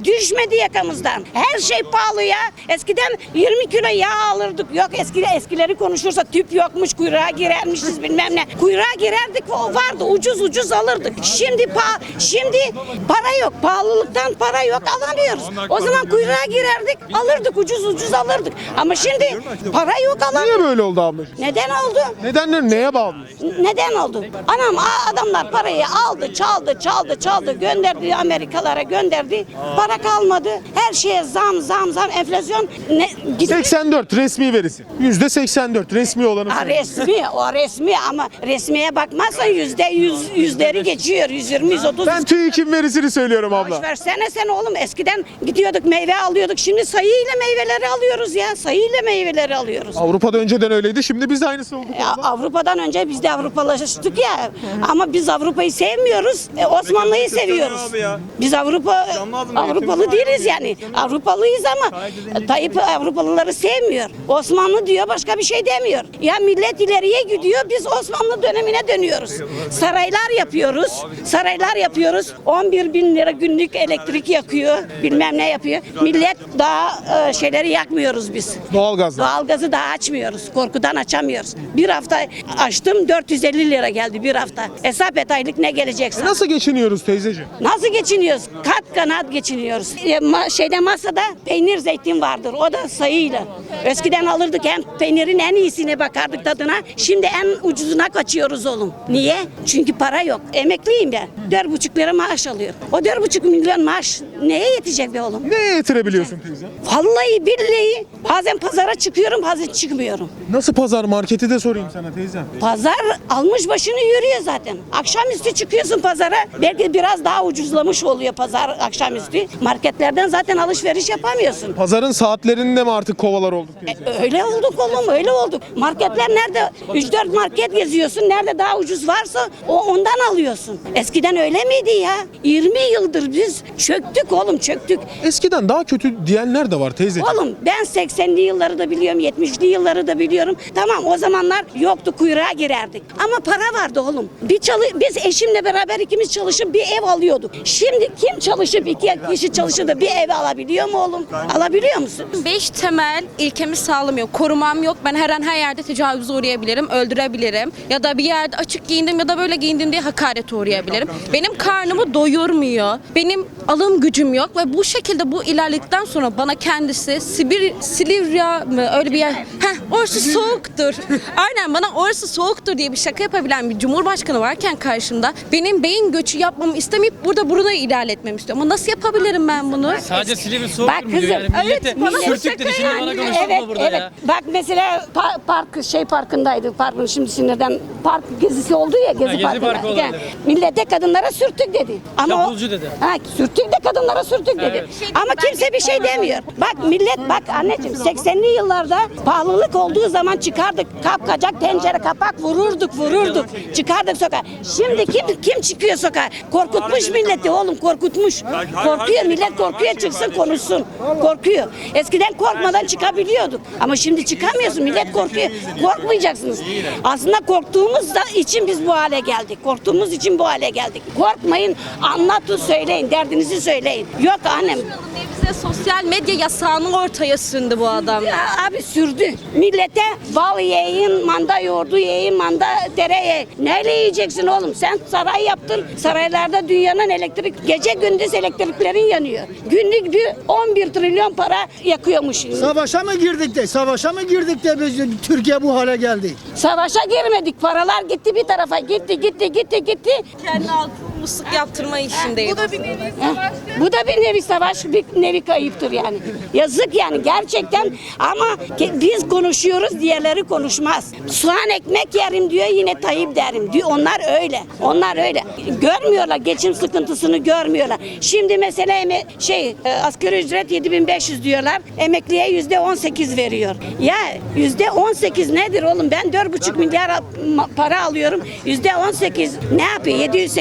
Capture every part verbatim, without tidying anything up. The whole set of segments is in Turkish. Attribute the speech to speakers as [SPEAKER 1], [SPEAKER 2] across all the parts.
[SPEAKER 1] Düşmedi yakamızdan. Her şey pahalı ya. Eskiden yirmi kilo yağ alırdık. Yok eski, eskileri konuşursa tüp yokmuş, kuyruğa girermişiz bilmem ne. Kuyruğa girerdik, o vardı, ucuz ucuz alırdık. Şimdi pa şimdi para yok. Pahalılıktan para yok, alamıyoruz. O zaman kuyruğa girerdik, alırdık, ucuz ucuz alırdık. Ama şimdi para yok, alamıyoruz.
[SPEAKER 2] Niye böyle oldu ablacığım?
[SPEAKER 1] Neden oldu?
[SPEAKER 2] Nedenler neye bağlı?
[SPEAKER 1] Neden oldu? Anam adamlar parayı aldı, çaldı, çaldı, çaldı, gönderdi Amerikalara gönderdi. Para kalmadı. Her şeye zam, zam, zam, enflasyon ne gitti.
[SPEAKER 2] seksen dört resmi verisi. yüzde seksen dört resmi olanı.
[SPEAKER 1] Ha, resmi, o resmi ama resmiye bakmazsan yüzde yüz, yüzleri geçiyor. yüz yirmi, yüz otuz.
[SPEAKER 2] Ben TÜİK'in verisini söylüyorum abla.
[SPEAKER 1] Boş versene sen oğlum. Eskiden gidiyorduk meyve alıyorduk. Şimdi sayıyla meyveleri alıyoruz ya. Sayıyla meyveleri alıyoruz.
[SPEAKER 2] Avrupa'da önceden öyleydi. Şimdi biz de aynısı olduk.
[SPEAKER 1] Ya, Avrupa'dan önce biz de Avrupalaştık ya. Ama biz Avrupa'yı sevmiyoruz. E, Osmanlı'yı seviyoruz. Biz Avrupa Avrupalı değiliz yani. Avrupalıyız ama Tayyip Avrupalıları sevmiyor. Osmanlı diyor, başka bir şey demiyor. Ya millet ileriye gidiyor, biz Osmanlı dönemine dönüyoruz. Saraylar yapıyoruz. Saraylar yapıyoruz. on bir bin lira günlük elektrik yakıyor. Bilmem ne yapıyor. Millet daha e, şeyleri yakmıyoruz biz.
[SPEAKER 2] Doğalgazla.
[SPEAKER 1] Doğalgazı daha açmıyoruz. Korkudan açamıyoruz. Bir hafta açtım, dört yüz elli lira geldi bir hafta. Hesap et aylık ne gelecekse.
[SPEAKER 2] Nasıl geçiniyoruz teyzeciğim?
[SPEAKER 1] Nasıl geçiniyoruz? Kat kanat geçiniyoruz. E, ma şeyde masada peynir zeytin vardır. O da sayıyla. Eskiden alırdık, hem peynirin en iyisine bakardık tadına. Şimdi en ucuzuna kaçıyoruz oğlum. Niye? Çünkü para yok. Emekliyim ben. Dört buçuk lira maaş alıyorum. O dört buçuk milyon maaş neye yetecek be oğlum?
[SPEAKER 2] Neye yetirebiliyorsun teyze?
[SPEAKER 1] Vallahi billahi bazen pazara çıkıyorum, bazen çıkmıyorum.
[SPEAKER 2] Nasıl pazar marketi de sorayım sana teyze.
[SPEAKER 1] Pazar almış başını yürüyor zaten. Akşamüstü çıkıyorsun pazara. Belki biraz daha ucuzlamış oluyor pazar akşamüstü. Marketlerden zaten alışveriş yapamıyorsun.
[SPEAKER 2] Pazarın saatlerinde mi artık kovalar olduk teyze?
[SPEAKER 1] E, öyle olduk oğlum, öyle olduk. Marketler nerede? üç dört market geziyorsun. Nerede daha ucuz varsa o ondan alıyorsun. Eskiden öyle miydi ya? yirmi yıldır biz çöktük oğlum, çöktük.
[SPEAKER 2] Eskiden daha kötü diyenler de var teyze.
[SPEAKER 1] Oğlum ben seksenli yılları da biliyorum, yetmişli yılları da biliyorum. Tamam, o zamanlar yoktu, kuyruğa girerdik. Ama para vardı oğlum. Bir çalı biz eşimle beraber ikimiz çalışıp bir ev alıyorduk. Şimdi kim çalışıp iki kişi çalışıp da bir ev alabiliyor mu oğlum? Alabiliyor musun?
[SPEAKER 3] Beş temel ilkemi sağlamıyor. Korumam yok. Ben her an her yerde tecavüze uğrayabilirim, öldürebilirim. Ya da bir yerde açık giyindim ya da böyle giyindim diye hakarete uğrayabilirim. Benim karnımı doyurmuyor. Benim alım gücüm yok ve bu şekilde bu ilerledikten sonra bana kendisi Sibir, Silivya mı öyle bir yer. Heh, orası soğuktur. Aynen, bana orası soğuktur diye bir şaka yapabilen bir cumhurbaşkanı varken karşımda benim beyin göçü yapmamı istemeyip burada burada ilerletmemi istiyor. Ama nasıl yapabilirim ben bunu?
[SPEAKER 4] Sadece Silivri soğuk
[SPEAKER 1] Bak
[SPEAKER 4] mu diyor
[SPEAKER 1] kızım,
[SPEAKER 4] yani millete
[SPEAKER 1] evet, bana
[SPEAKER 4] sürtük dedi, şimdi bana konuşulma
[SPEAKER 1] Evet,
[SPEAKER 4] burada
[SPEAKER 1] evet.
[SPEAKER 4] ya.
[SPEAKER 1] Bak mesela pa- park şey parkındaydı. Parkın şimdi sinirden park gezisi oldu ya, gezi,
[SPEAKER 4] Ha, gezi
[SPEAKER 1] parkında.
[SPEAKER 4] parkı olabilir.
[SPEAKER 1] Millete kadınlara sürtük dedi. Ama
[SPEAKER 4] Çapulcu
[SPEAKER 1] o,
[SPEAKER 4] dedi.
[SPEAKER 1] Ha, sürtük de kadınlara sürtük dedi.
[SPEAKER 4] Evet.
[SPEAKER 1] Ama kimse bir şey demiyor. Bak millet, bak anneciğim, seksenli yıllarda pahalılık olduğu zaman çıkardık. Kapkacak tencere kapak vururduk vururduk. Çıkardık sokağa. Şimdi kim kim çıkıyor sokağa? Korkutmuş milleti oğlum, korkutmuş. Korkuyor millet, korkuyor çıksın konuşsun. Korkuyor. Eskiden korkmadan çıkabiliyorduk. Ama şimdi çıkamıyorsun, millet korkuyor. Korkmayacaksınız. Aslında korktuğumuz da için biz bu hale geldik. Korktuğumuz için bu hale geldik. Korkmayın, anlatın, söyleyin, derdinizi söyleyin. Yok annem.
[SPEAKER 3] Bize sosyal medya yasağını ortaya sündü bu adam.
[SPEAKER 1] Ya abi sürdü. Millete bal yiyin, manda yoğurdu yiyin, manda dere ye. Neyle yiyeceksin oğlum? Sen saray yaptın. Saraylarda dünyanın elektrik, gece gündüz elektriklerin yanıyor. Günlük bir on bir trilyon para yakıyormuş.
[SPEAKER 5] Savaşa mı girdik de, savaşa mı girdik de biz Türkiye bu hale geldi?
[SPEAKER 1] Savaşa girmedik. Paralar gitti bir tarafa. Gitti, gitti, gitti, gitti.
[SPEAKER 3] Kendi halkı musluk yaptırma işindeyim. Bu da bir nevi
[SPEAKER 1] Heh, bu da bir nevi savaş, bir nevi kayıptır yani. Yazık yani gerçekten, ama ke- biz konuşuyoruz, diğerleri konuşmaz. Soğan ekmek yerim diyor, yine Tayyip derim diyor. Onlar öyle. Onlar öyle. Görmüyorlar, geçim sıkıntısını görmüyorlar. Şimdi mesela eme- şey e, asgari ücret yedi bin beş yüz diyorlar. Emekliye yüzde on sekiz veriyor. Ya yüzde on sekiz nedir oğlum? Ben dört buçuk milyar al- ma- para alıyorum. Yüzde on sekiz ne yapıyor? yedi yüz sekiz yüz lira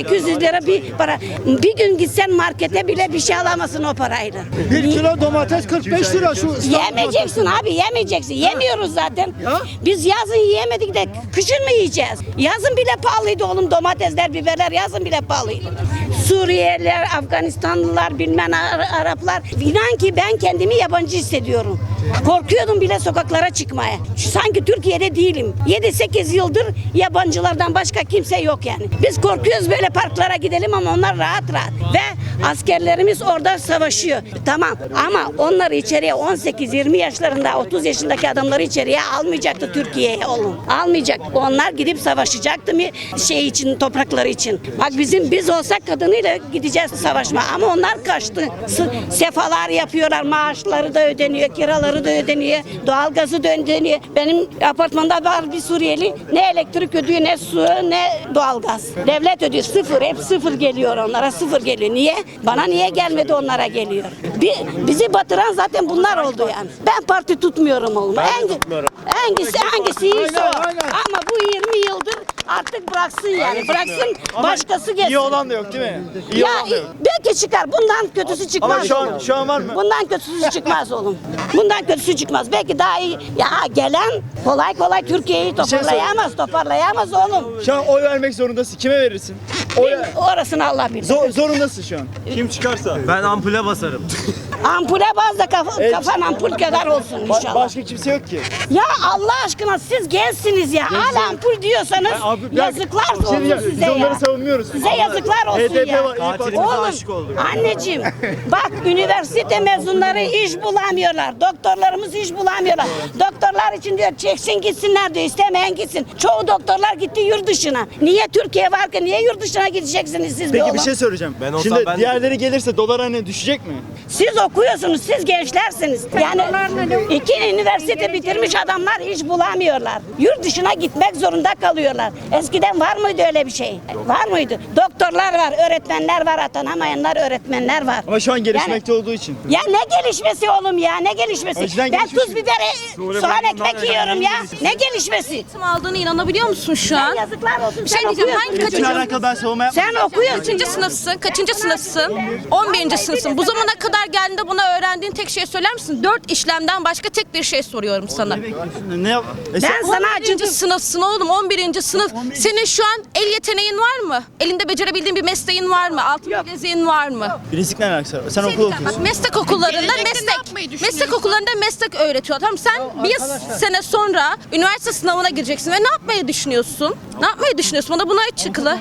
[SPEAKER 1] lira bir para. Bir gün gitsen markete bile bir şey alamazsın o parayla.
[SPEAKER 5] Bir kilo domates kırk beş lira şu İstanbul'da.
[SPEAKER 1] Yemeyeceksin abi, yemeyeceksin. Yemiyoruz zaten.
[SPEAKER 5] Ya.
[SPEAKER 1] Biz yazın yiyemedik de kışın mı yiyeceğiz? Yazın bile pahalıydı oğlum, domatesler, biberler yazın bile pahalıydı. Suriyeliler, Afganistanlılar, bilmem Ar- Araplar. İnan ki ben kendimi yabancı hissediyorum. Korkuyordum bile sokaklara çıkmaya. Sanki Türkiye'de değilim. yedi sekiz yıldır yabancılardan başka kimse yok yani. Biz korkuyoruz böyle parklara gidelim ama onlar rahat rahat. Ve askerlerimiz orada savaşıyor. Tamam ama onları içeriye on sekiz yirmi yaşlarında, otuz yaşındaki adamları içeriye almayacaktı Türkiye'ye oğlum. Almayacak. Onlar gidip savaşacaktı mı şey için, toprakları için. Bak bizim biz olsak kadınıyla gideceğiz savaşma ama onlar kaçtı. S- sefalar yapıyorlar. Maaşları da ödeniyor, kiraları da ödeniyor, doğalgazı da ödeniyor. Benim apartmanda var bir Suriyeli. Ne elektrik ödüyor, ne su, ne doğalgaz. Devlet ödüyor. Sıfır. Hep sıfır geliyor onlara. Sıfır geliyor. Niye? Bana niye gelmedi, onlara geliyor. Bir, bizi batıran zaten bunlar oldu yani. Ben parti tutmuyorum oğlum. Hangi, hangisi hangisi iyiyse o.
[SPEAKER 5] Aynen, aynen.
[SPEAKER 1] Ama bu yirmi yıldır artık bıraksın yani. Bıraksın, başkası gelsin.
[SPEAKER 6] İyi olan da yok değil mi? İyi
[SPEAKER 1] Ya
[SPEAKER 6] olan da yok.
[SPEAKER 1] belki çıkar. Bundan kötüsü çıkmaz.
[SPEAKER 6] Ama şu an-
[SPEAKER 1] oğlum.
[SPEAKER 6] şu an var mı?
[SPEAKER 1] Bundan kötüsü çıkmaz oğlum. Bundan kötüsü çıkmaz. Belki daha iyi. Ya gelen kolay kolay Türkiye'yi
[SPEAKER 6] şey
[SPEAKER 1] toparlayamaz, toparlayamaz oğlum.
[SPEAKER 6] Şu an oy vermek zorundasın. Kime verirsin? Oy
[SPEAKER 1] Orasını Allah bilir.
[SPEAKER 6] Zor, zorundasın şu an.
[SPEAKER 2] Kim çıkarsa.
[SPEAKER 4] Ben ampule basarım.
[SPEAKER 1] Ampule baz da kafa,
[SPEAKER 6] Evet.
[SPEAKER 1] kafan ampul kadar olsun
[SPEAKER 6] Ba-
[SPEAKER 1] inşallah.
[SPEAKER 6] başka kimse yok ki.
[SPEAKER 1] Ya Allah aşkına siz gençsiniz ya. Hala ampul diyorsanız
[SPEAKER 6] Abi, bir
[SPEAKER 1] yazıklar
[SPEAKER 6] dakika, bir şey
[SPEAKER 1] olsun
[SPEAKER 6] diyeceğim.
[SPEAKER 1] size
[SPEAKER 6] Biz onları
[SPEAKER 1] ya.
[SPEAKER 6] savunmuyoruz.
[SPEAKER 1] Size yazıklar olsun
[SPEAKER 6] H D P
[SPEAKER 1] ya.
[SPEAKER 6] var, İYİ Parti.
[SPEAKER 4] Katilimize
[SPEAKER 1] Oğlum,
[SPEAKER 4] aşık olduk.
[SPEAKER 1] anneciğim bak üniversite mezunları iş bulamıyorlar. Doktorlarımız iş bulamıyorlar. Doktorlar için diyor çeksin gitsinler diyor. İstemeyen gitsin. Çoğu doktorlar gitti yurt dışına. Niye Türkiye varken niye yurt dışına gideceksiniz siz be
[SPEAKER 6] Peki
[SPEAKER 1] oğlum?
[SPEAKER 6] bir şey söyleyeceğim.
[SPEAKER 4] Ben olsam
[SPEAKER 6] Şimdi
[SPEAKER 4] ben de-
[SPEAKER 6] diğerleri gelirse dolar hani düşecek mi?
[SPEAKER 1] Siz okuyorsunuz, siz gençlersiniz. Yani iki üniversite bitirmiş adamlar iş bulamıyorlar. Yurt dışına gitmek zorunda kalıyorlar. Eskiden var mıydı öyle bir şey? Var mıydı? Doktorlar var, öğretmenler var, atanamayanlar öğretmenler var.
[SPEAKER 6] Ama şu an gelişmekte olduğu için.
[SPEAKER 1] Ya ne gelişmesi oğlum ya, ne gelişmesi?
[SPEAKER 6] Önceden
[SPEAKER 1] Ben
[SPEAKER 6] gelişmiş
[SPEAKER 1] tuz biber, soğan ekmek yiyorum ya. Ne gelişmesi?
[SPEAKER 3] Eğitim aldığını inanabiliyor musun şu an?
[SPEAKER 1] Yazıklar olsun.
[SPEAKER 3] Bir şey
[SPEAKER 1] sen
[SPEAKER 3] diyeceğim,
[SPEAKER 1] okuyorsun
[SPEAKER 3] hangi
[SPEAKER 1] çocuğum.
[SPEAKER 6] Bununla alakalı ben savunma yapmıyorum.
[SPEAKER 1] Sen okuyorsun.
[SPEAKER 3] Kaçıncı sınıfsın? Kaçıncı sınıfsın? on birinci sınıfsın. Bu zamana kadar geldiğinde buna öğrendiğin tek şey söyler misin? Dört işlemden başka tek bir şey soruyorum sana.
[SPEAKER 6] Ne yap? E
[SPEAKER 1] Ben
[SPEAKER 6] sen-
[SPEAKER 1] sana
[SPEAKER 3] on birinci
[SPEAKER 1] acıdım.
[SPEAKER 3] sınıfsın oğlum, on birinci sınıf. Senin şu an el yeteneğin var mı? Elinde becerebildiğin bir mesleğin var mı? Altın bileziğin var mı?
[SPEAKER 6] Bilinçlik ne alakası var? Sen okul
[SPEAKER 3] Bak
[SPEAKER 6] okuyorsun.
[SPEAKER 3] meslek okullarında meslek meslek okullarında meslek öğretiyor. Tamam sen bir sene sonra üniversite sınavına gireceksin ve ne yapmayı düşünüyorsun? Ne yapmayı düşünüyorsun? Bana bunu açıkla.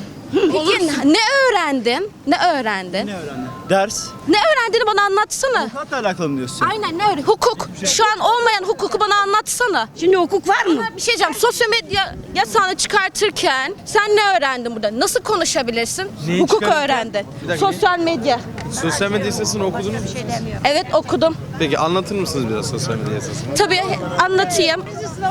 [SPEAKER 3] Peki ne öğrendin? Ne öğrendin?
[SPEAKER 6] Ne öğrendin? Ders.
[SPEAKER 3] Ne öğrendiğini bana anlatsana.
[SPEAKER 6] Avukatla alakalı mı diyorsun?
[SPEAKER 3] Aynen ne öyle? Hukuk. Şu an olmayan hukuku bana anlatsana.
[SPEAKER 1] Şimdi hukuk var mı?
[SPEAKER 3] Bir şey diyeceğim. Sosyal medya yasağını çıkartırken sen ne öğrendin burada? Nasıl konuşabilirsin?
[SPEAKER 2] Neyi
[SPEAKER 3] Hukuk
[SPEAKER 2] çıkarırken?
[SPEAKER 3] öğrendin.
[SPEAKER 2] Bir dakika.
[SPEAKER 3] Sosyal medya.
[SPEAKER 2] Sosyal medya yasasını okudunuz mu?
[SPEAKER 3] Evet okudum.
[SPEAKER 2] Peki anlatır mısınız biraz sosyal medya yasasını?
[SPEAKER 3] Tabii anlatayım.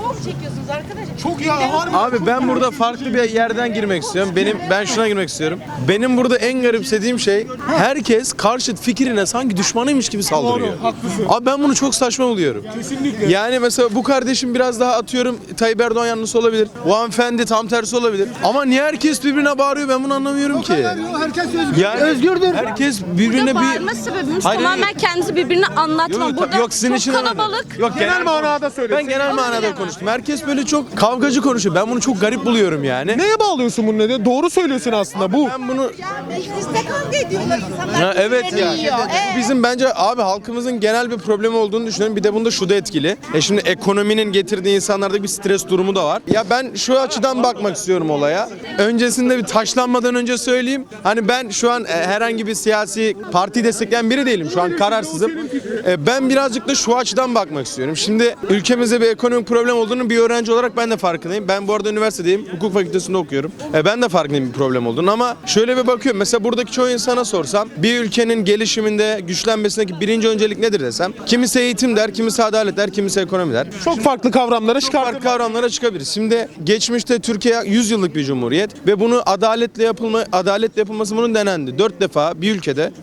[SPEAKER 2] Çok ya Abi ben burada farklı bir yerden girmek istiyorum. Benim ben şuna girmek istiyorum. Benim burada en garipsediğim şey herkes karşıt fikrine sanki düşmanıymış gibi saldırıyor. Abi ben bunu çok saçma buluyorum. Kesinlikle. Yani mesela bu kardeşim biraz daha atıyorum Tayyip Erdoğan yanlısı olabilir. Bu hanımefendi tam tersi olabilir. Ama niye herkes birbirine bağırıyor ben bunu anlamıyorum ki.
[SPEAKER 5] Herkes özgür.
[SPEAKER 2] Yani
[SPEAKER 5] Özgürdür.
[SPEAKER 2] herkes birbirine
[SPEAKER 3] Burada
[SPEAKER 2] bir...
[SPEAKER 3] bağırma sebebimiz
[SPEAKER 2] Hayır,
[SPEAKER 3] tamamen
[SPEAKER 2] hayır.
[SPEAKER 3] kendinizi birbirine anlatma.
[SPEAKER 2] Yok,
[SPEAKER 3] Burada
[SPEAKER 2] yok sizin
[SPEAKER 3] çok
[SPEAKER 2] için öyle.
[SPEAKER 3] kalabalık.
[SPEAKER 2] Yok genel manada söyle. Ben genel manada konuştum. Herkes böyle çok kavgacı konuşuyor. Ben bunu çok garip buluyorum yani.
[SPEAKER 7] Neye bağlıyorsun bunu ne? Doğru söylüyorsun aslında bu.
[SPEAKER 2] Ben bunu
[SPEAKER 1] Mecliste kavga ediyorlar insanlar.
[SPEAKER 2] Ha, evet yani.
[SPEAKER 1] yiyor.
[SPEAKER 2] Bu bizim bence abi halkımızın genel bir problemi olduğunu düşünüyorum. Bir de bunda şu da etkili. E şimdi ekonominin getirdiği insanlarda bir stres durumu da var. Ya ben şu açıdan bakmak istiyorum olaya. Öncesinde bir taşlanmadan önce söyleyeyim. Hani ben şu an e, herhangi bir siyasi partiyi destekleyen biri değilim. Şu an kararsızım. E, ben birazcık da şu açıdan bakmak istiyorum. Şimdi ülkemizde bir ekonomik problem olduğunu bir öğrenci olarak ben de farkındayım. Ben bu arada üniversitedeyim. Hukuk fakültesinde okuyorum. E, ben de farkındayım bir problem olduğunu ama şöyle bir bakıyorum. Mesela buradaki çoğu insana sorsam bir ülkenin gelişiminde, güçlenmesindeki birinci öncelik nedir desem. Kimisi eğitim der, kimisi adalet der, kimisi ekonomi der.
[SPEAKER 7] Çok farklı kavramlara
[SPEAKER 2] Çok farklı
[SPEAKER 7] çıkartıp
[SPEAKER 2] kavramlara çıkabilir. Şimdi geçmişte Türkiye yüz yıllık bir cumhuriyet ve bunu adaletle yapılma adaletle yapılması bunun denendi. Dört defa bir ülkede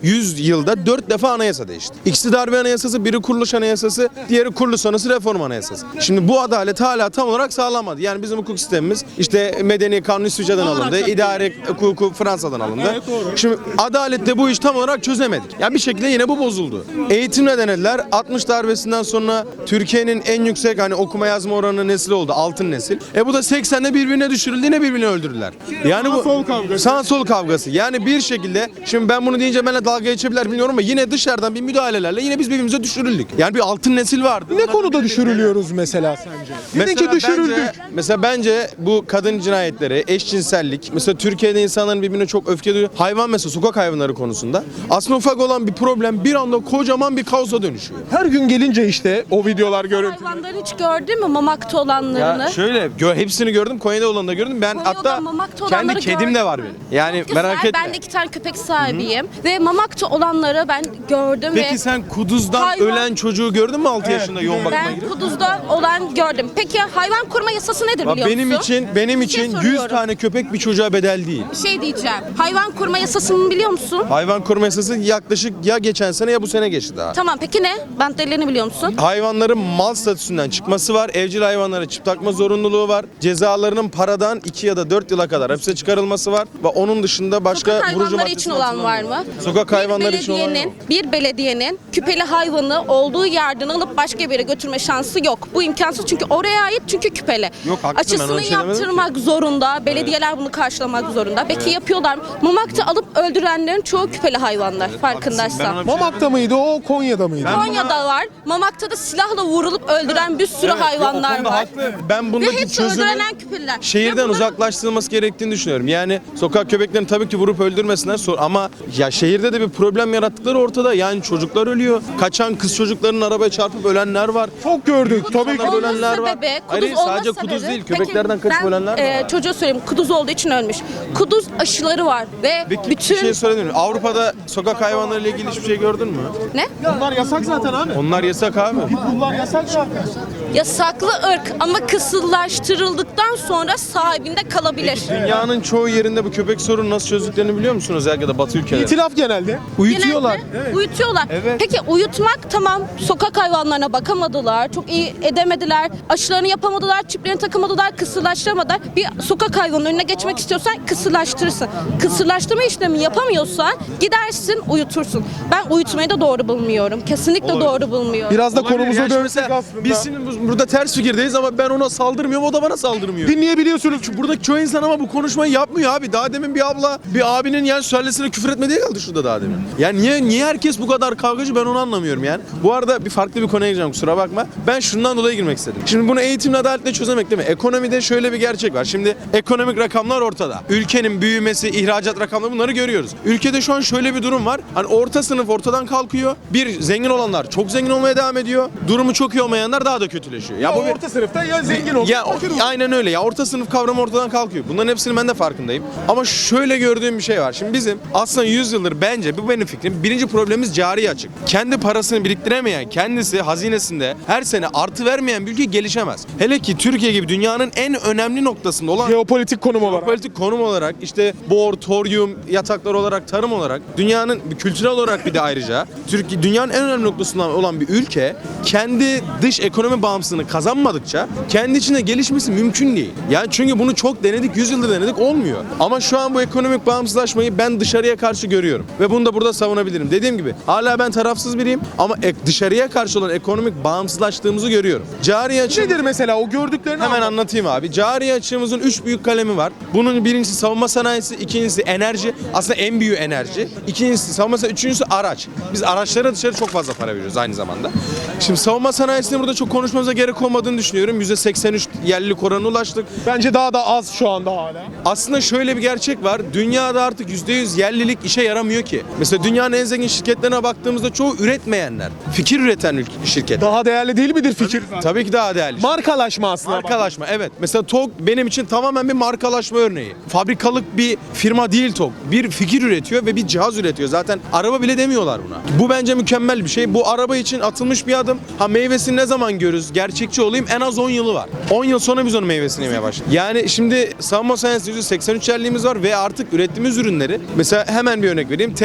[SPEAKER 2] yüz yılda dört defa anayasa değişti. İkisi darbe anayasası, biri kuruluş anayasası, diğeri kuruluş sonrası reform anayasası. Şimdi bu adalet hala tam olarak sağlanmadı. Yani bizim hukuk sistemimiz işte medeni kanun İsviçre'den alındı, idare hukuku Fransa'dan alındı. Şimdi adalette bu iş tam olarak çözemedik. Yani bir şekilde yine bu bozuldu. Eğitimle denediler. altmış darbesinden sonra Türkiye'nin en yüksek hani okuma yazma oranı nesil oldu. Altın nesil. E bu da seksende birbirine düşürüldü, yine birbirini öldürdüler. Yani bu
[SPEAKER 7] sol kavgası.
[SPEAKER 2] sağ sol kavgası. Yani bir şekilde şimdi ben bunu deyince benimle dalga geçebilirler bilmiyorum ama yine dışarıdan bir müdahalelerle yine biz birbirimize düşürüldük. Yani bir altın nesil vardı.
[SPEAKER 7] Ne konuda düşürülüyoruz mesela sence? Dedin
[SPEAKER 2] Mesela
[SPEAKER 7] ki düşürüldük.
[SPEAKER 2] Bence, mesela bence bu kadın cinayetleri, eşcinsellik, mesela Türkiye'de insanların birbirine çok öfke duyuyor. Hayvan mesela sokak hayvanları konusunda aslında ufak olan bir problem bir anda kocaman bir kaosa dönüşüyor.
[SPEAKER 7] Her gün gelince işte o videolar görüntü.
[SPEAKER 3] Hayvanları hiç gördün mü mamakta olanlarını?
[SPEAKER 2] Ya şöyle gö- hepsini gördüm. Konya'da olanı da gördüm. Ben
[SPEAKER 3] Konya'da
[SPEAKER 2] hatta
[SPEAKER 3] Mamak'ta
[SPEAKER 2] kendi
[SPEAKER 3] olanları
[SPEAKER 2] kedim
[SPEAKER 3] gördüm.
[SPEAKER 2] de var benim. Yani
[SPEAKER 3] Güzel,
[SPEAKER 2] merak etme.
[SPEAKER 3] ben de iki tane köpek sahibiyim ve mamakta olanları ben gördüm
[SPEAKER 2] Peki
[SPEAKER 3] ve
[SPEAKER 2] sen kuduzdan
[SPEAKER 3] Hayvan-
[SPEAKER 2] ölen çocuğu gördün mü altı yaşında yoğun bakıma
[SPEAKER 3] ben
[SPEAKER 2] girip?
[SPEAKER 3] Kuduz'da olan gördüm. Peki hayvan koruma yasası nedir
[SPEAKER 2] Bak
[SPEAKER 3] biliyor
[SPEAKER 2] benim
[SPEAKER 3] musun?
[SPEAKER 2] için benim
[SPEAKER 3] Bir şey
[SPEAKER 2] için yüz
[SPEAKER 3] soruyorum.
[SPEAKER 2] tane köpek bir çocuğa bedel değil.
[SPEAKER 3] Bir şey diyeceğim. Hayvan koruma yasasını biliyor musun?
[SPEAKER 2] Hayvan koruma yasası yaklaşık ya geçen sene ya bu sene geçti daha.
[SPEAKER 3] Tamam peki ne? Bandelerini biliyor musun?
[SPEAKER 2] Hayvanların mal statüsünden çıkması var. Evcil hayvanlara çip takma zorunluluğu var. Cezalarının paradan iki ya da dört yıla kadar hapse çıkarılması var. Ve onun dışında başka
[SPEAKER 3] Sokak
[SPEAKER 2] vurucu
[SPEAKER 3] hayvanları için
[SPEAKER 2] maddesi
[SPEAKER 3] olan var
[SPEAKER 2] altında
[SPEAKER 3] mı?
[SPEAKER 2] Sokak
[SPEAKER 3] Bir
[SPEAKER 2] hayvanları için olan
[SPEAKER 3] belediyenin,
[SPEAKER 2] yok.
[SPEAKER 3] bir belediyenin küpeli hayvanı olduğu yerden alıp başka bir yere götürme şansı yok. Bu imkansız çünkü oraya ait çünkü küpeli.
[SPEAKER 2] Yok, haklısın, ben
[SPEAKER 3] Açısını
[SPEAKER 2] öyle şey demedim
[SPEAKER 3] yaptırmak zorunda. Belediyeler bunu karşılamak zorunda. Peki yapıyorlar mı? Mamakta alıp öldürenlerin çoğu küpeli hayvanlar
[SPEAKER 2] Ben
[SPEAKER 3] farkındaysan.
[SPEAKER 2] ona bir şey
[SPEAKER 7] Mamak'ta mıydı o, Konya'da mıydı?
[SPEAKER 3] Konya'da var. Mamakta da silahla vurulup öldüren bir sürü
[SPEAKER 2] Evet, yok, o
[SPEAKER 3] hayvanlar
[SPEAKER 2] konuda
[SPEAKER 3] var.
[SPEAKER 2] haklı. Ben
[SPEAKER 3] Ve
[SPEAKER 2] bundaki
[SPEAKER 3] hepsi
[SPEAKER 2] çözümü
[SPEAKER 3] öldürülen küpeliler. Ve
[SPEAKER 2] şehirden
[SPEAKER 3] bunların-
[SPEAKER 2] uzaklaştırılması gerektiğini düşünüyorum. Yani sokak köpeklerini tabii ki vurup öldürmesinler sor- ama ya şehirde de bir problem yarattıkları ortada. Yani çocuklar ölüyor. Kaçan kız çocuklarının arabaya çarpıp ölenler var.
[SPEAKER 7] Çok gördük. Tabii ki.
[SPEAKER 2] İnsanlar
[SPEAKER 3] Olma
[SPEAKER 2] ölenler var.
[SPEAKER 3] sebebi,
[SPEAKER 2] Hayır,
[SPEAKER 3] kuduz olma
[SPEAKER 2] sadece
[SPEAKER 3] sebebi-
[SPEAKER 2] kuduz değil,
[SPEAKER 3] Peki,
[SPEAKER 2] köpeklerden kaçıp
[SPEAKER 3] ben,
[SPEAKER 2] ölenler de
[SPEAKER 3] e,
[SPEAKER 2] var.
[SPEAKER 3] çocuğa söyleyeyim, kuduz olduğu için ölmüş. Kuduz aşıları var ve
[SPEAKER 2] Bir,
[SPEAKER 3] bütün...
[SPEAKER 2] bir şey söyledim. Avrupa'da sokak hayvanları ile ilgili hiçbir şey gördün mü?
[SPEAKER 3] Ne?
[SPEAKER 7] Bunlar yasak zaten abi.
[SPEAKER 2] Onlar yasak abi.
[SPEAKER 7] Bunlar yasak zaten.
[SPEAKER 3] Yasaklı ırk ama kısırlaştırıldıktan sonra sahibinde kalabilir.
[SPEAKER 2] Dünyanın çoğu yerinde bu köpek sorunu nasıl çözdüklerini biliyor musunuz? Özellikle de Batı ülkelerinde.
[SPEAKER 7] İtilaf genelde.
[SPEAKER 2] Uyutuyorlar.
[SPEAKER 3] Genelde Uyutuyorlar.
[SPEAKER 2] Evet.
[SPEAKER 3] Peki uyutmak tamam, sokak hayvanlarına bakamadılar, çok iyi edemediler, aşılarını yapamadılar, çiplerini takamadılar, kısırlaştıramadılar. Bir sokak hayvanının önüne geçmek istiyorsan kısırlaştırırsın. Kısırlaştırma işlemi yapamıyorsan gidersin uyutursun. Ben uyutmayı da doğru bulmuyorum. Kesinlikle
[SPEAKER 2] Olabilir.
[SPEAKER 3] doğru bulmuyorum.
[SPEAKER 7] Biraz da
[SPEAKER 2] Olabilir.
[SPEAKER 7] konumuza
[SPEAKER 2] Yani şimdi
[SPEAKER 7] dönsek
[SPEAKER 2] mesela
[SPEAKER 7] aslında.
[SPEAKER 2] Biz şimdi bu- burada ters fikirdeyiz ama ben ona saldırmıyorum, o da bana saldırmıyor.
[SPEAKER 7] Dinleyebiliyorsunuz.
[SPEAKER 2] Buradaki çoğu insan ama bu konuşmayı yapmıyor abi. Daha demin bir abla bir abinin yani sülalesine küfür etmediği kaldı şurada daha demin. Yani niye niye herkes bu kadar kavgacı ben onu anlamıyorum yani. Bu arada bir farklı bir konuya gireceğim kusura bakma. Ben şundan dolayı girmek istedim. Şimdi bunu eğitimle adaletle çözemek değil mi? Ekonomide şöyle bir gerçek var. Şimdi ekonomik rakamlar ortada. Ülkenin büyümesi, ihracat rakamları bunları görüyoruz. Ülkede şu an şöyle bir durum var. Hani orta sınıf ortadan kalkıyor. Bir zengin olanlar çok zengin olmaya devam ediyor. Durumu çok iyi olmayanlar daha da kötüleşiyor. Ya bu bir
[SPEAKER 7] orta sınıfta ya zengin olur.
[SPEAKER 2] ya o- aynen öyle ya orta sınıf kavramı ortadan kalkıyor. Bunların hepsinin ben de farkındayım. Ama şöyle gördüğüm bir şey var. Şimdi bizim aslında yüz yıldır bence bu benim fikrim. Birinci problemimiz cari açık. Kendi parasını biriktiremeyen, kendisi hazinesinde her sene artı vermeyen bir ülke gelişemez. Hele ki Türkiye gibi dünyanın en önemli noktasında olan
[SPEAKER 7] Jeopolitik konum olarak.
[SPEAKER 2] politik konum olarak işte bor, toryum, yataklar olarak, tarım olarak dünyanın kültürel olarak bir de ayrıca Türkiye dünyanın en önemli noktasından olan bir ülke kendi dış ekonomi bağımsızlığını kazanmadıkça kendi içinde gelişmesi mümkün değil. Yani çünkü bunu çok denedik, yüz yıldır denedik olmuyor. Ama şu an bu ekonomik bağımsızlaşmayı ben dışarıya karşı görüyorum ve bunu da burada savunabilirim. Dediğim gibi hala ben tarafsız biriyim ama ek- dışarıya karşı olan ekonomik bağımsızlaştığımızı görüyorum. Cari açığımız
[SPEAKER 7] Nedir mesela o gördüklerini
[SPEAKER 2] Hemen
[SPEAKER 7] anlat.
[SPEAKER 2] anlatayım abi. Cari açığımızın üç büyük kalemi var. Bunun birincisi savunma sanayisi, ikincisi enerji. Aslında en büyüğü enerji. İkincisi savunma sanayisi, üçüncüsü araç. Biz araçlara dışarı çok fazla para veriyoruz aynı zamanda. Şimdi savunma sanayisini burada çok konuşmamıza gerek olmadığını düşünüyorum. yüzde seksen üç yerlilik oranına ulaştık.
[SPEAKER 7] Bence daha da az şu anda hala.
[SPEAKER 2] Aslında şöyle bir gerçek var. Dünyada artık yüzde yüz yerlilik işe yaramıyor ki. Mesela dünyanın en zengin şirketlerine baktığımızda çoğu üretmeyenler. Fikir üreten ülke- şirket.
[SPEAKER 7] Daha değerli değil midir fikir?
[SPEAKER 2] Tabii ki daha değerli.
[SPEAKER 7] Markalaşma aslında.
[SPEAKER 2] Markalaşma evet. Mesela T O G benim için tamamen bir markalaşma örneği. Fabrikalık bir firma değil T O G. Bir fikir üretiyor ve bir cihaz üretiyor. Zaten araba bile demiyorlar buna. Bu bence mükemmel bir şey. Bu araba için atılmış bir adım. Ha meyvesini ne zaman görürüz? Gerçekçi olayım en az on yılı var. on yıl sonra biz onun meyvesini yemeye başladık. Yani şimdi savunma sanayisi yüzde seksen üç yerliğimiz var ve artık ürettiğimiz ürünleri mesela hemen bir örnek vereyim. T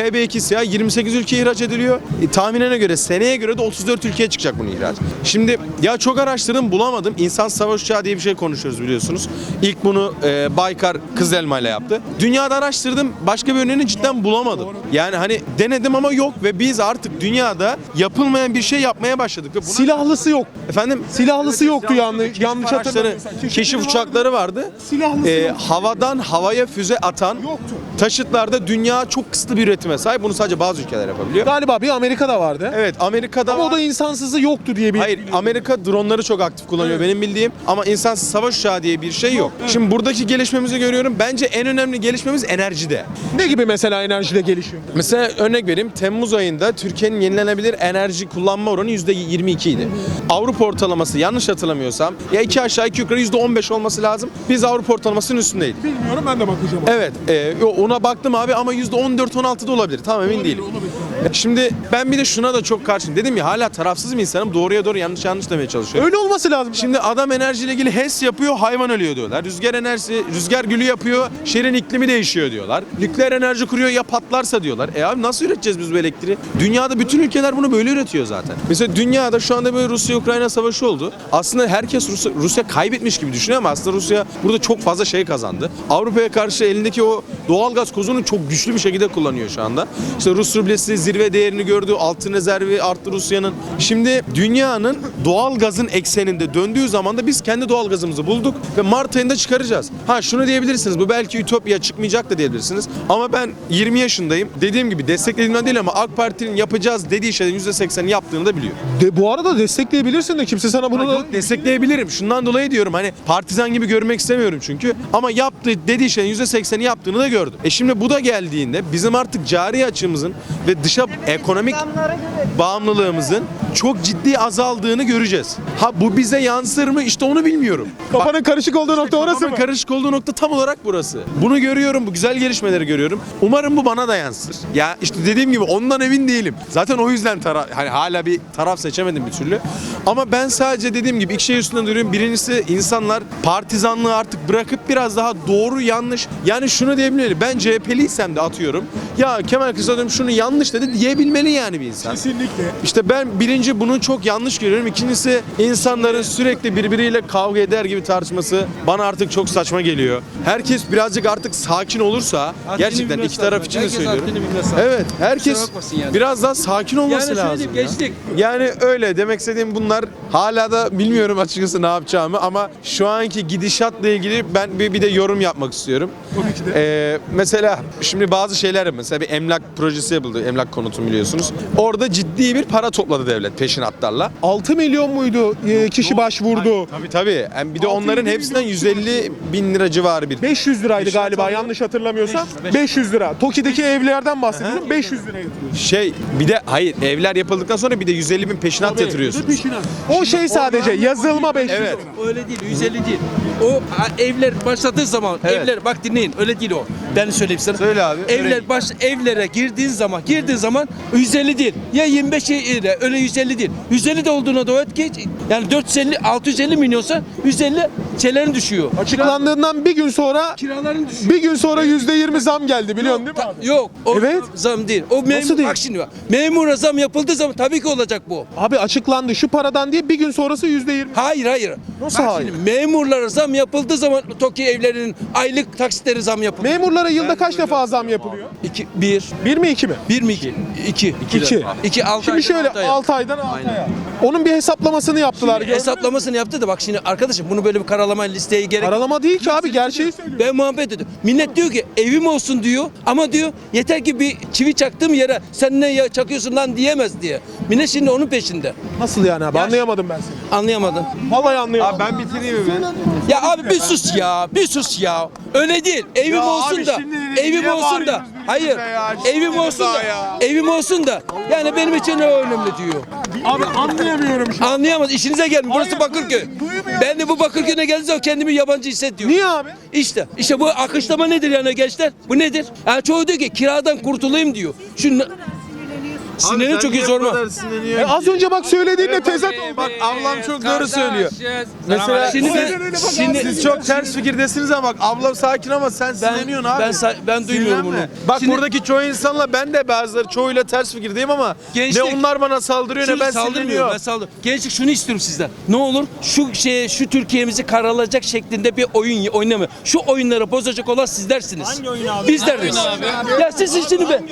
[SPEAKER 2] Y B iki siyah yirmi sekiz ülkeye ihraç ediliyor. E, tahminine göre seneye göre de otuz dört ülkeye çıkacak bunun ihraç. Şimdi ya çok araştırdım bulamadım. İnsan savaş uçağı diye bir şey konuşuyoruz biliyorsunuz. İlk bunu e, Baykar Kızılelma ile yaptı. Dünyada araştırdım başka bir örneğini cidden bulamadım. Yani hani denedim ama yok ve biz artık dünyada yapılmayan bir şey yapmaya başladık. Ve buna...
[SPEAKER 7] Silahlısı yok.
[SPEAKER 2] Efendim?
[SPEAKER 7] Silahlısı yoktu yanlış, yanlış
[SPEAKER 2] Araçları,
[SPEAKER 7] hatırlamıyorsam.
[SPEAKER 2] keşif uçakları vardı.
[SPEAKER 7] Silahlısı
[SPEAKER 2] Ee,
[SPEAKER 7] yok.
[SPEAKER 2] havadan havaya füze atan
[SPEAKER 7] Yoktu.
[SPEAKER 2] taşıtlarda dünya çok kısıtlı bir üretime sahip. Bunu sadece bazı ülkeler yapabiliyor.
[SPEAKER 7] Galiba bir Amerika'da vardı.
[SPEAKER 2] Evet, Amerika'da
[SPEAKER 7] Ama o
[SPEAKER 2] var.
[SPEAKER 7] da insansızı yoktu diye bir.
[SPEAKER 2] Hayır, Amerika dronları çok aktif kullanıyor benim bildiğim ama insansız savaş uçağı diye bir şey yok. Şimdi buradaki gelişmemizi görüyorum. Bence en önemli gelişmemiz enerjide.
[SPEAKER 7] Ne gibi mesela enerjide gelişiyor?
[SPEAKER 2] Mesela örnek vereyim. Temmuz ayında Türkiye'nin yenilenebilir enerji kullanma oranı yüzde yirmi iki idi. Avrupa ortalaması yanlış hatırlamıyorsam ya iki aşağı iki yukarı yüzde on beş olması lazım. Biz Avrupa ortalamasının üstündeydik.
[SPEAKER 7] Bilmiyorum, ben de bakacağım.
[SPEAKER 2] Evet, e, ona baktım abi ama yüzde on dört on altı da olabilir. Tam emin değilim. Şimdi ben bir de şuna da çok karşıyım. Dedim ya hala tarafsız bir insanım. Doğruya doğru yanlış yanlış demeye çalışıyorum.
[SPEAKER 7] Öyle olması lazım.
[SPEAKER 2] Şimdi adam enerjiyle ilgili HES yapıyor, hayvan ölüyor diyorlar. Rüzgar enerjisi, rüzgar gülü yapıyor, şehrin iklimi değişiyor diyorlar. Nükleer enerji kuruyor ya patlarsa diyorlar. E abi nasıl üreteceğiz biz bu elektriği? Dünyada bütün ülkeler bunu böyle üretiyor zaten. Mesela dünyada şu anda böyle Rusya-Ukrayna savaşı oldu. Aslında herkes Rusya, Rusya kaybetmiş gibi düşünüyor ama aslında Rusya burada çok fazla şey kazandı. Avrupa'ya karşı elindeki o doğalgaz kozunu çok güçlü bir şekilde kullanıyor şu anda. İşte Rus rublesi zirve değerini gördü, altın rezervi arttı Rusya'nın. Şimdi dünyanın doğalgazın ekseninde döndüğü zaman da biz kendi doğalgazımızı bulduk ve Mart ayında çıkaracağız. Ha şunu diyebilirsiniz, bu belki ütopya çıkmayacak da diyebilirsiniz. Ama ben yirmi yaşındayım. Dediğim gibi desteklediğimden değil ama AK Parti'nin yapacağız dediği şeylerin yüzde seksenini yaptığını da biliyor.
[SPEAKER 7] De, bu arada destekleyebilirsin de kimse sana bunu da...
[SPEAKER 2] Yok, destekleyebilirim. Şundan dolayı diyorum hani partizan gibi görmek istemiyorum çünkü. Ama yaptığı dediği şeyin yüzde sekseni yaptığını da gördüm. E şimdi bu da geldiğinde bizim artık cari açığımızın ve dışa ekonomik bağımlılığımızın çok ciddi azaldığını göreceğiz. Ha bu bize yansır mı? İşte onu bilmiyorum.
[SPEAKER 7] Kafanın karışık olduğu nokta orası
[SPEAKER 2] Kafamın
[SPEAKER 7] mı?
[SPEAKER 2] karışık olduğu nokta tam olarak burası. Bunu görüyorum, bu güzel gelişmeleri görüyorum. Umarım bu bana da yansır. Ya işte dediğim gibi ondan emin değilim. Zaten o yüzden taraf, hani hala bir taraf seçemedim bir türlü. Ama ben sadece dediğim gibi iki şey üstünden duruyorum. Birincisi insanlar partizanlığı artık bırakıp biraz daha doğru yanlış. Yani şunu diyebilmeli. Ben C H P'liysem de atıyorum. Ya Kemal Kılıçdaroğlu şunu yanlış dedi diyebilmeli yani bir insan.
[SPEAKER 7] Kesinlikle.
[SPEAKER 2] İşte ben birinci bunu çok yanlış görüyorum. İkincisi insanların sürekli birbiriyle kavga eder gibi tartışması bana artık çok saçma geliyor. Herkes birazcık artık sakin olursa gerçekten iki taraf için de söylüyorum. Evet, herkes biraz daha sakin olması lazım. ya.
[SPEAKER 8] geçtik.
[SPEAKER 2] Yani öyle demek istediğim bunlar. Hala da bilmiyorum açıkçası ne yapacağımı ama şu anki gidişatla ilgili ben bir, bir de yorum yapmak istiyorum.
[SPEAKER 7] Tabii ki de.
[SPEAKER 2] Ee, mesela şimdi bazı şeyler mesela bir emlak projesi yapıldı. Emlak konutu biliyorsunuz. Orada ciddi bir para topladı devlet peşinatlarla.
[SPEAKER 7] altı milyon muydu e, kişi başvurdu?
[SPEAKER 2] Tabii tabii. Yani bir de
[SPEAKER 7] altı
[SPEAKER 2] onların
[SPEAKER 7] milyon
[SPEAKER 2] hepsinden
[SPEAKER 7] kişi
[SPEAKER 2] yüz elli bin lira civarı bir.
[SPEAKER 7] beş yüz liraydı
[SPEAKER 2] Peşinat
[SPEAKER 7] galiba
[SPEAKER 2] alıyor.
[SPEAKER 7] yanlış hatırlamıyorsam. beş yüz lira. Toki'deki evlerden bahsediyorum. beş yüz lira yatırıyor.
[SPEAKER 2] Şey bir de hayır evler yapıldıktan sonra bir de yüz elli bin peşinat yatırıyorsunuz.
[SPEAKER 7] O şey sadece yazılma beş yüz
[SPEAKER 2] Evet.
[SPEAKER 7] lira.
[SPEAKER 8] Öyle değil, yüz elli değil. O ha, evler başladığı zaman,
[SPEAKER 2] Evet.
[SPEAKER 8] evler bak dinleyin, öyle değil o. Ben söyleyeyim sana.
[SPEAKER 2] Söyle abi,
[SPEAKER 8] Evler
[SPEAKER 2] öyle.
[SPEAKER 8] baş evlere girdiğin zaman, girdiğin zaman yüz elli değil. Ya yirmi beş lira, öyle yüz elli değil. yüz elli de olduğuna da geç. Yani dört yüz elli, altı yüz elli milyonsa yüz elli şeylerin düşüyor.
[SPEAKER 7] Açıklandığından bir gün sonra
[SPEAKER 8] Kiraların düşüyor.
[SPEAKER 7] bir gün sonra yüzde yirmi zam geldi biliyorsun değil mi abi?
[SPEAKER 8] Yok. O
[SPEAKER 7] Evet.
[SPEAKER 8] zam değil. O memur,
[SPEAKER 7] değil?
[SPEAKER 8] bak şimdi bak. Memura zam yapıldığı zaman tabii ki olacak bu.
[SPEAKER 7] Abi açıklandı şu paradan diye bir gün sonrası yüzde yirmi.
[SPEAKER 8] Hayır hayır.
[SPEAKER 7] Nasıl
[SPEAKER 8] Bak
[SPEAKER 7] hayır?
[SPEAKER 8] şimdi memurlara zam yapıldığı zaman TOKİ evlerinin aylık taksitleri zam yapılıyor.
[SPEAKER 7] Memurlara yılda kaç defa zam yapılıyor?
[SPEAKER 8] İki, bir.
[SPEAKER 7] Bir mi iki mi?
[SPEAKER 8] Bir mi iki? İki.
[SPEAKER 7] İki.
[SPEAKER 8] İki altı
[SPEAKER 7] Şimdi
[SPEAKER 8] aydan
[SPEAKER 7] şöyle
[SPEAKER 8] altı aya.
[SPEAKER 7] altı aydan altı aya. Onun bir hesaplamasını yaptılar. gördün mü?
[SPEAKER 8] Hesaplamasını yaptı da bak şimdi arkadaşım bunu böyle bir karalama listeye gerek yok.
[SPEAKER 7] Aralama değil ki abi gerçeği söylüyor.
[SPEAKER 8] Ben muhabbet ediyorum. Millet diyor ki evim olsun diyor ama diyor yeter ki bir çivi çaktığım yere sen ne ya çakıyorsun lan diyemez diye. Millet şimdi onun peşinde.
[SPEAKER 7] Nasıl yani abi anlayamadım ben seni.
[SPEAKER 8] Anlayamadın.
[SPEAKER 7] Vallahi anlayamadım.
[SPEAKER 2] Ben bitireyim mi?
[SPEAKER 8] Ya abi bir sus ya, bir sus ya. Öyle değil. Evim
[SPEAKER 2] Ya
[SPEAKER 8] olsun
[SPEAKER 2] abi
[SPEAKER 8] da,
[SPEAKER 2] şimdi
[SPEAKER 8] evim
[SPEAKER 2] niye
[SPEAKER 8] olsun da.
[SPEAKER 2] bağırıyoruz
[SPEAKER 8] Hayır.
[SPEAKER 2] birbirimize ya?
[SPEAKER 8] Evim
[SPEAKER 2] Ciddi
[SPEAKER 8] olsun da,
[SPEAKER 2] misin ya?
[SPEAKER 8] evim olsun da. Yani benim için ne önemli diyor.
[SPEAKER 7] Abi anlayamıyorum şu an.
[SPEAKER 8] Anlayamaz. İşinize gelmiyor. Burası
[SPEAKER 7] Hayır,
[SPEAKER 8] Bakırköy.
[SPEAKER 7] duy- duymuyor
[SPEAKER 8] Ben de bu Bakırköy'e geldiğim zaman kendimi yabancı hissediyorum.
[SPEAKER 7] Niye abi?
[SPEAKER 8] İşte, işte bu akışlama nedir yani gençler? Bu nedir? Yani çoğu diyor ki kiradan kurtulayım diyor. Şu Sinirlerim çok iyi, sorma.
[SPEAKER 7] E, az önce bak söylediğinle tezat oldu.
[SPEAKER 2] Bak ablam çok doğru söylüyor. Mesela
[SPEAKER 8] Şimdi
[SPEAKER 2] siz,
[SPEAKER 8] ben-
[SPEAKER 2] siz
[SPEAKER 8] şimdi-
[SPEAKER 2] çok ters fikirdesiniz ama bak ablam sakin ama sen sinirleniyorsun abi.
[SPEAKER 8] ben sa- ben duymuyorum
[SPEAKER 2] Sinirlenme.
[SPEAKER 8] bunu.
[SPEAKER 2] Bak
[SPEAKER 8] Şimdi-
[SPEAKER 2] buradaki çoğu insanla ben de bazıları çoğuyla ters fikirdeyim ama
[SPEAKER 8] Gençlik-
[SPEAKER 2] ne onlar bana saldırıyor ne
[SPEAKER 8] Şunu
[SPEAKER 2] ben
[SPEAKER 8] saldırmıyorum,
[SPEAKER 2] sinirleniyorum.
[SPEAKER 8] ben saldırıyorum. Gençlik şunu istiyorum sizden. Ne olur şu şeye, şu Türkiye'mizi karalayacak şeklinde bir oyun oynamıyor. Şu oyunları bozacak olan sizlersiniz. Hangi oyun abi? Bizleriz. Ya siz şimdi be.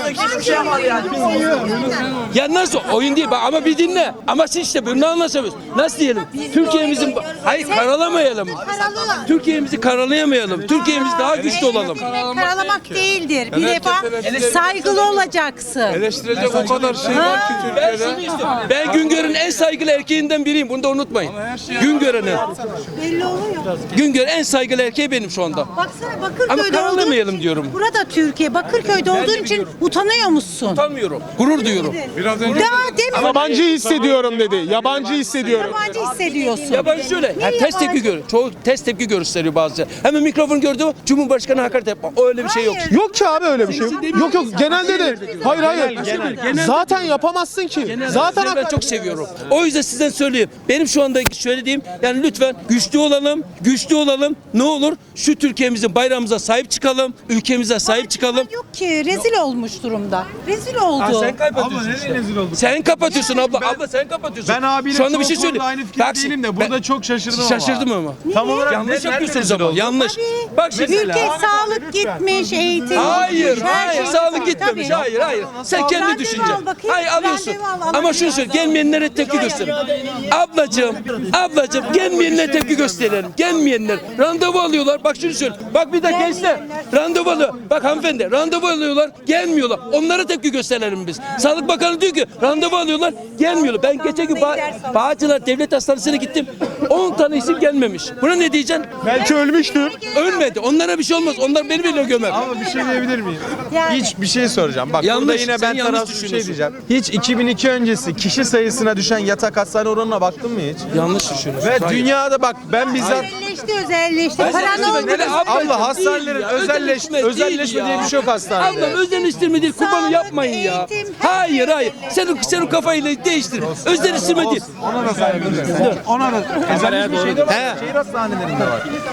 [SPEAKER 8] Ya nasıl oyun değil bak ama bir dinle. Ama siz işte bunu anlaşamıyoruz. Nasıl diyelim? Türkiye'mizin hayır karalamayalım. Türkiye'mizi karalayamayalım. Türkiye'miz daha güçlü olalım.
[SPEAKER 9] Karalamak değildir. Bir defa saygılı olacaksın.
[SPEAKER 8] Eleştirecek o kadar şey var ki Türkiye'de. Ben Güngör'ün en saygılı erkeğinden biriyim. Bunu da unutmayın. Güngör'ün.
[SPEAKER 9] Belli oluyor.
[SPEAKER 8] Güngör en saygılı erkeği benim şu anda.
[SPEAKER 9] Baksana
[SPEAKER 8] Ama
[SPEAKER 9] Bakırköy'de
[SPEAKER 8] karalamayalım
[SPEAKER 9] olduğun için,
[SPEAKER 8] diyorum.
[SPEAKER 9] burada Türkiye, Bakırköy'de olduğun için utanıyor musun?
[SPEAKER 8] Utanmıyorum. Gurur duyuyorum.
[SPEAKER 9] Daha demin
[SPEAKER 7] Yabancı hissediyorum dedi. Yabancı hissediyorum.
[SPEAKER 9] yabancı hissediyorsun.
[SPEAKER 8] Yabancı şöyle.
[SPEAKER 9] Niye
[SPEAKER 8] Ha, test tepki
[SPEAKER 9] yabancı?
[SPEAKER 8] gör. Çoğu test tepki gösteriyor bazıları. Hemen mikrofon gördü mü Cumhurbaşkanı hakaret yapma. O öyle bir şey yok.
[SPEAKER 9] Hayır.
[SPEAKER 7] Yok ki abi öyle bir şey. Yok yok genelde de. Hayır hayır. Zaten yapamazsın ki. Zaten
[SPEAKER 8] Zaten ben çok seviyorum. O yüzden sizden söyleyeyim. Benim şu anda söylediğim yani lütfen güçlü olalım, güçlü olalım. Ne olur şu Türkiye'mizin bayrağımıza sahip çıkalım, ülkemize sahip çıkalım.
[SPEAKER 9] Yok ki rezil olmuş durumda. Rezil oldu.
[SPEAKER 8] Ha, sen kapatıyorsun işte. Sen kapatıyorsun abla. abla sen kapatıyorsun.
[SPEAKER 2] Ben abiyle
[SPEAKER 8] şu anda bir
[SPEAKER 2] çoğu
[SPEAKER 8] şey
[SPEAKER 2] konuda
[SPEAKER 8] söyleyeyim.
[SPEAKER 2] aynı fikir
[SPEAKER 8] Bak,
[SPEAKER 2] değilim de
[SPEAKER 8] ben-
[SPEAKER 2] burada çok şaşırdım ama.
[SPEAKER 8] Şaşırdım ama.
[SPEAKER 2] Tam olarak
[SPEAKER 8] Yanlış
[SPEAKER 2] ne-
[SPEAKER 8] yapıyorsunuz
[SPEAKER 2] nerede
[SPEAKER 8] ama.
[SPEAKER 2] oldu?
[SPEAKER 8] Yanlış. Bak şimdi.
[SPEAKER 9] Ülke sağlık gitmiş, eğitim
[SPEAKER 8] Hayır,
[SPEAKER 9] gitmiş, her
[SPEAKER 8] hayır,
[SPEAKER 9] şey
[SPEAKER 8] sağlık
[SPEAKER 9] gitmiş.
[SPEAKER 8] gitmemiş.
[SPEAKER 9] Tabii.
[SPEAKER 8] Hayır, hayır. Sen kendi
[SPEAKER 9] Randevu
[SPEAKER 8] düşünce.
[SPEAKER 9] al bakayım,
[SPEAKER 8] Hayır alıyorsun.
[SPEAKER 9] randevu al,
[SPEAKER 8] Ama şunu söyle, gelmeyenlere tepki gösterin. Ablacığım, ablacığım gelmeyenlere tepki gösterelim. Gelmeyenler randevu alıyorlar. Bak şunu söyle. Bak bir de gençler randevu alıyor. Bak hanımefendi randevu alıyorlar, gelmiyorlar. Onlara tepki gösterelim biz. Sağlık Bakanı diyor ki randevu alıyorlar, gelmiyorlar. Ben geçen gün ba- Bağcılar Devlet Hastanesi'ne gittim. on tane isim gelmemiş. Buna ne diyeceksin?
[SPEAKER 7] belki ölmüştür.
[SPEAKER 8] Ölmedi. Onlara bir şey olmaz. Onlar beni bile gömer.
[SPEAKER 2] Ama bir şey diyebilir miyim?
[SPEAKER 9] Yani.
[SPEAKER 2] Hiç bir şey soracağım. Bak
[SPEAKER 8] Yanlış,
[SPEAKER 2] burada yine
[SPEAKER 8] sen
[SPEAKER 2] ben
[SPEAKER 8] yanlış
[SPEAKER 2] tarafsız bir şey
[SPEAKER 8] düşünüyorsun.
[SPEAKER 2] diyeceğim. Hiç iki bin iki öncesi kişi sayısına düşen yatak hastane oranına baktın mı hiç?
[SPEAKER 8] Yanlış düşünüyorsun.
[SPEAKER 2] Ve
[SPEAKER 8] Hayır.
[SPEAKER 2] dünyada bak ben bizzat
[SPEAKER 9] Özelleşti, özelleşti.
[SPEAKER 8] Ben
[SPEAKER 9] Paran
[SPEAKER 8] sana
[SPEAKER 9] oldu.
[SPEAKER 8] söyleyeyim, abla,
[SPEAKER 2] Allah hastanelerin
[SPEAKER 8] değil ya,
[SPEAKER 2] özelleşme
[SPEAKER 8] değil
[SPEAKER 2] özelleşme
[SPEAKER 8] ya.
[SPEAKER 2] diye bir şey yok hastanede.
[SPEAKER 8] Abla özelleştirme değil, kurbanı
[SPEAKER 9] Sağlık,
[SPEAKER 8] yapmayın ya.
[SPEAKER 9] eğitim, her
[SPEAKER 8] Hayır
[SPEAKER 9] yerde.
[SPEAKER 8] hayır. Senin senin kafayı değiştir. Özelleştirme değil.
[SPEAKER 2] Ona da saygı duyuyorum. Ona da özelleşme şey de var. Şehir hastanelerinde var.